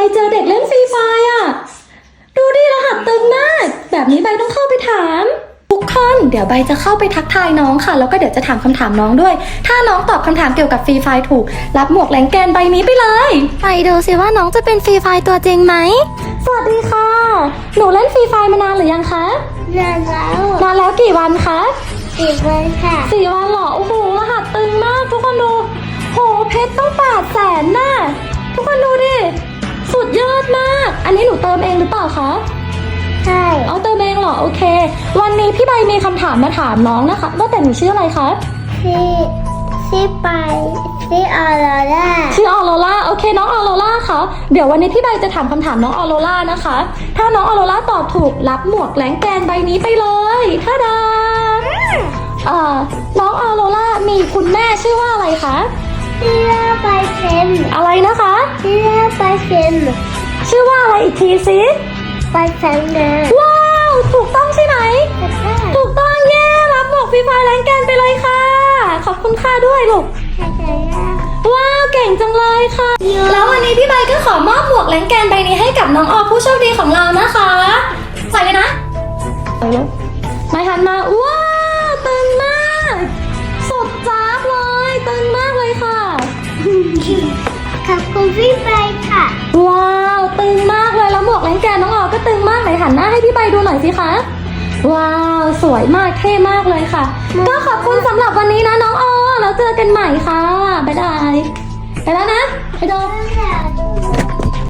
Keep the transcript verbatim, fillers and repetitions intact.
เจอเด็กเล่นฟรีไฟอ่ะดูดิรหัสตึงมากแบบนี้ใบต้องเข้าไปถามทุกคนเดี๋ยวใบจะเข้าไปทักทายน้องค่ะแล้วก็เดี๋ยวจะถามคำถามน้องด้วยถ้าน้องตอบคำถามเกี่ยวกับฟรีไฟถูกรับหมวกแรงแกนใบนี้ไปเลยไปดูสิว่าน้องจะเป็นฟรีไฟตัวจริงไหมสวัสดีค่ะหนูเล่นฟรีไฟมานานหรือยังคะนานแล้วนานแล้วกี่วันคะสี่วันค่ะสี่วันเหรอโอ้โหรหัสตึงมากทุกคนดูโหเพชรต้องแปดแสนน่ะทุกคนดูดิสุดยอดมากอันนี้หนูเติมเองหรือเปล่าคะใช่เอาเติมเองเหรอโอเควันนี้พี่ใบมีคำถามมาถามน้องนะคะว่าแต่หนูชื่ออะไรคะที่ที่ไปที่ออโรร่าชื่อออโรล่าโอเคน้องออโรล่าคะเดี๋ยววันนี้พี่ใบจะถามคำถามน้องออโรล่านะคะถ้าน้องออโรล่าตอบถูกรับหมวกแรงแกนใบนี้ไปเลยท่าดาเอ่อน้องออโรล่ามีคุณแม่ชื่อว่าอะไรคะที่เล่าไปเซนอะไรนะคะที่เล่าไปเซนชื่อว่าอะไรอีกทีสิไปเซนนะว้าวถูกต้องใช่ไหมแต่ถ้าถูกต้องเย้รับหมวกฟรีไฟแรงแกนไปเลยค่ะขอบคุณค่ะด้วยลูกใครจะยากว้าวเก่งจังเลยค่ะ แล้ววันนี้พี่ใบก็ขอมอบหมวกแรงแกนใบนี้ให้กับน้องออผู้โชคดีของเรานะคะใส่เลยนะใส่เลยไม่หันมาว้าวตึงมากสุดจ้าบเลยตึงมากเลยค่ะขอบคุณพี่ไปค่ะว้าวตึงมากเลยแล้วหมวกแรงแกนน้องออก็ตึงมากไหนหันหน้าให้พี่ใบดูหน่อยสิคะว้าวสวยมากเท่มากเลยค่ะก็ขอบคุณสำหรับวันนี้นะน้องออแล้วเจอกันใหม่ค่ะบ๊ายบายไปแล้วนะไปดูตั้งแต่ดู